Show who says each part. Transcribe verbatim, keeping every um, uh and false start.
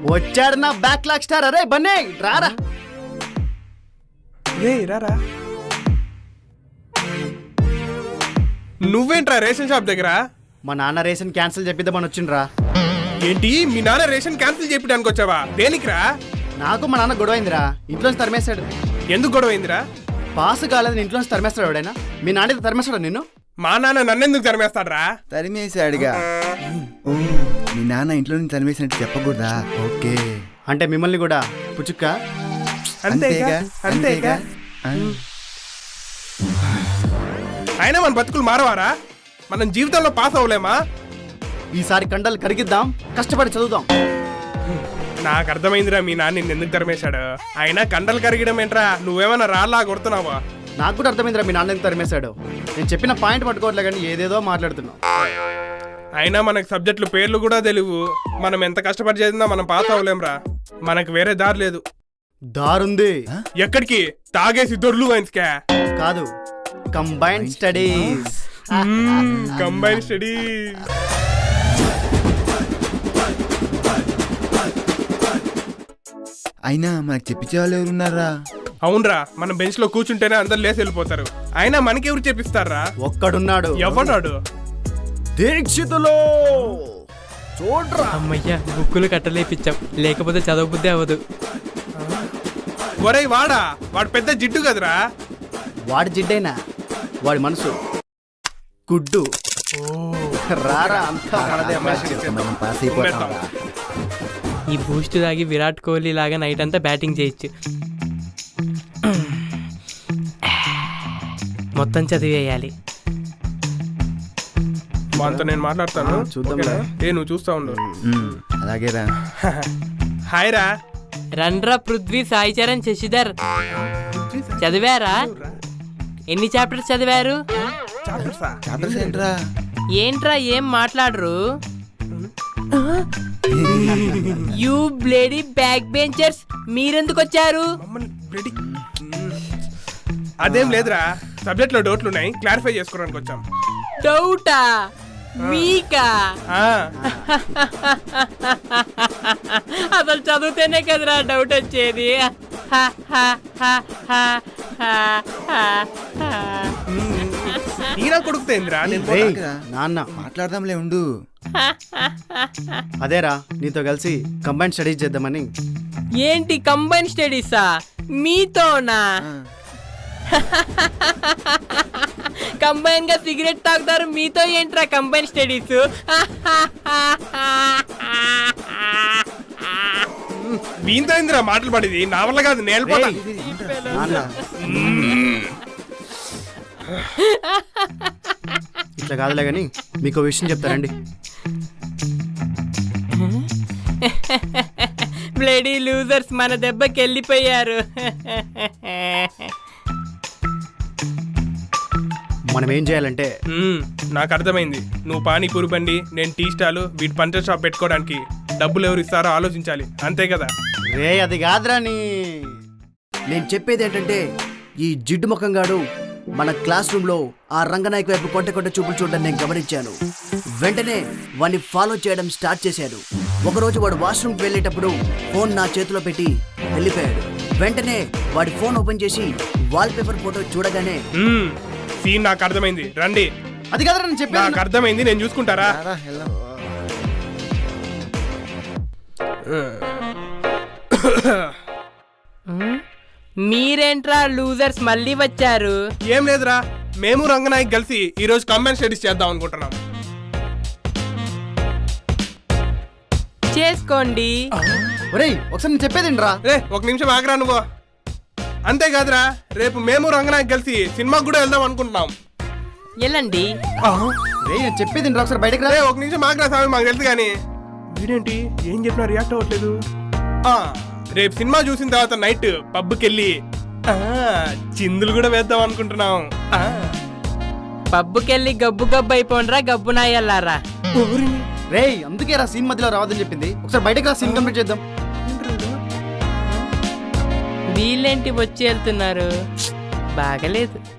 Speaker 1: వచ్చాడు నా back lock star. అరే బన్నే రారా.
Speaker 2: రే రారా. నువ్వేంట్రా రేషన్ షాప్ దగ్గర?
Speaker 1: మా నాన్న రేషన్ క్యాన్సిల్ చెప్పిద్దామని వచ్చిండ్రా.
Speaker 2: ఏంటి మీ నాన్న రేషన్ క్యాన్సిల్ చెప్పడానికి వచ్చావా? దేనికిరా?
Speaker 1: నాకు మా నాన్న గొడవ అయిందిరా. ఇంట్లోంచి తరిమేశాడు.
Speaker 2: ఎందుకు గొడవ అయిందిరా?
Speaker 1: పాస్ కాలేదని ఇంట్లోంచి తరిమేస్తాడు ఎవడైనా? మీ నాన్న తరిమేస్తాడు నిన్ను?
Speaker 2: మా నాన్న నన్నెందుకు తరిమేస్తాడ్రా?
Speaker 3: తరిమేశాడుగా. ఓ మీ నాన్న ఇంట్లో నుంచి తరిమేసినట్టు చెప్పకూడదా? ఓకే.
Speaker 1: అంటే మిమ్మల్ని కూడా పుచ్చుక్క.
Speaker 2: అంతేగా అంతేగా. అయినా మన బతుకులు మారవారా? మనం జీవితంలో పాస్ అవ్వలేమా?
Speaker 1: ఈసారి కండలు కరిగిద్దాం, కష్టపడి చదువుదాం.
Speaker 2: నాకు అర్థమైందిరా మీ నాన్న నిన్ను ఎందుకు తరిమేశాడు. అయినా కండలు కరిగడం ఏంట్రా? నువ్వేమన్నా రాళ్ళా కొడుతున్నావా?
Speaker 1: నాకు కూడా అర్థమైందిరా మీ నాన్న ఎందుకు తరిమేశాడు. నేను చెప్పిన పాయింట్ పట్టుకోవట్లే కానీ ఏదేదో మాట్లాడుతున్నావు.
Speaker 2: అయినా మనకు సబ్జెక్టులు పేర్లు కూడా తెలియవు. మనం ఎంత కష్టపడి చదివినా మనం పాస్ అవ్వలేంరా. మనకు వేరే దారి లేదు.
Speaker 1: దారుంది.
Speaker 2: ఎక్కడికి? తాగేసి దొర్లు వైన్స్కా?
Speaker 1: కాదు, కంబైన్డ్ స్టడీస్.
Speaker 2: Combined studies.
Speaker 3: అయినా మనకు చెప్పించే వాళ్ళు ఎవరున్నారా?
Speaker 2: అవునరా, మనం బెంచ్ లో కూర్చుంటేనే అందరు లేసి వెళ్ళిపోతారు. అయినా మనకెవరు చెప్పిస్తారా?
Speaker 1: ఒక్కడున్నాడు.
Speaker 2: ఎవడాడు?
Speaker 1: దీక్షితులో చూడ్రా.
Speaker 4: అమ్మయ్యా, బుక్కులు కట్టలేపిచ్చాం, లేకపోతే చదవబుద్ధి అవ్వదు.
Speaker 2: ఒరేయ్ వాడా, వాడు పెద్ద జిడ్డు కదరా.
Speaker 1: వాడి జిడ్డైనా వాడి మనసు గుడ్డు. రారా, అంతా మనదే.
Speaker 3: మనం పాస్ అయిపోతాం.
Speaker 4: ఈ బూస్ట్ తాగి విరాట్ కోహ్లీ లాగా నైట్ అంతా బ్యాటింగ్ చేయొచ్చు. మొత్తం చదివేయాలి.
Speaker 2: వాంతో నేను మాట్లాడతాను.
Speaker 1: చూద్దాం.
Speaker 2: ఏ నువ్వు చూస్తా ఉండు.
Speaker 3: అలాగే రా.
Speaker 2: హాయ్ రా.
Speaker 4: రండ్రా పృథ్వీ, సాయి చరణ్, శశిధర్. చదివారా? ఎన్ని చాప్టర్స్ చదివారు?
Speaker 3: చాప్టర్స్ ఏంట్రా?
Speaker 4: ఏంట్రా ఏం మాట్లాడరు? యూ బ్లేడీ బ్యాక్ బెంచర్స్, మీరెందుకు వచ్చారు?
Speaker 2: అదేం లేదురా, సబ్జెక్ట్ లో డౌట్లు ఉన్నాయి, క్లారిఫై చేసుకోవడానికి వచ్చాం.
Speaker 4: డౌటా? మీకా? అసలు చదివితేనే కదరా డౌట్ వచ్చేది.
Speaker 2: ఈరా కొడుకుతేందిరా?
Speaker 1: నాన్న
Speaker 3: మాట్లాడదాంలే ఉండు.
Speaker 1: అదేరా, నీతో కలిసి కంబైన్ స్టడీస్ చేద్దామని.
Speaker 4: ఏంటి కంబైన్ స్టడీసా? మీతోనా? కంబైన్ గా సిగరెట్ తాగుతారు, మీతో ఏంట్రా కంబైన్ స్టడీస్?
Speaker 2: వీంతో ఏందిరా మాటలు పడేది? నా వల్ల కాదు, నేర్పడా.
Speaker 1: ఇట్లా కాదులే గాని మీకు విషయం చెప్తారండి.
Speaker 4: బ్లడీ లూజర్స్ మన దెబ్బకి వెళ్ళిపోయారు.
Speaker 1: మనం ఏం చేయాలంటే,
Speaker 2: నాకు అర్థమైంది. నువ్వు పానీపూరి బండి, నేను టీ స్టాలు, వీటి పంచర్ షాప్ పెట్టుకోవడానికి డబ్బులు ఎవరు ఇస్తారో ఆలోచించాలి, అంతే కదా?
Speaker 1: రే అది కాదురా. నీ నేను చెప్పేది ఏంటంటే, ఈ జిడ్డు ముఖంగాడు మన క్లాస్ రూమ్ లో ఆ రంగనాయక్ వైపు కొంట కొంట చూపులు చూడడం నేను గమనించాను. వెంటనే వాడిని ఫాలో చేయడం స్టార్ట్ చేశాడు. ఒకరోజు వాడు వాష్రూమ్కి వెళ్ళేటప్పుడు ఫోన్ నా చేతిలో పెట్టి వెళ్ళిపోయాడు. వెంటనే వాడి ఫోన్ ఓపెన్ చేసి వాల్ పేపర్ ఫోటో చూడగానే
Speaker 2: సీన్ నాకు అర్థమైంది. రండి.
Speaker 1: అది కదరా నేను చెప్పాను.
Speaker 2: నాకు అర్థమైంది, నేను చూసుకుంటారా?
Speaker 4: మీరేంట్రా లూజర్స్ మళ్ళీ వచ్చారు?
Speaker 2: ఏం లేదురా, మేము రంగనాయక్ కలిసి ఈ రోజు కంబైన్ స్టడీస్ చేద్దాం అనుకుంటున్నాం.
Speaker 4: చేసుకోండి.
Speaker 1: ఒరేయ్ ఒకసారి నేను చెప్పేది రా.
Speaker 2: రే ఒక నిమిషం ఆగరా నువ్వు. అంతేకాదురా, రేపు మేము రంగనాయక్ కలిసి సినిమాకి కూడా వెళ్దాం అనుకుంటున్నాం.
Speaker 4: వెళ్ళండి.
Speaker 1: రే నేను చెప్పేది రా, ఒకసారి బయటకు రా.
Speaker 2: రే ఒక నిమిషం ఆగరా స్వామి, మాకు తెలుసు కానీ. వీడేంటి ఏం చెప్పినా రియాక్ట్ అవ్వట్లేదు. రేపు సినిమా చూసిన తర్వాత నైట్ పబ్కి వెళ్ళి చిందులు కూడా వేద్దాం అనుకుంటున్నాం.
Speaker 4: పబ్బుకెళ్ళి గబ్బు గబ్బు అయిపోండ్రా గబ్బు నాయల్లారా.
Speaker 1: రే అందుకే రా సీన్ మధ్యలో రావద్దని చెప్పింది. ఒకసారి బయటకు రా, సీన్ కంప్లీట్ చేద్దాం.
Speaker 4: వీళ్ళేంటి వచ్చి వెళ్తున్నారు? బాగలేదు.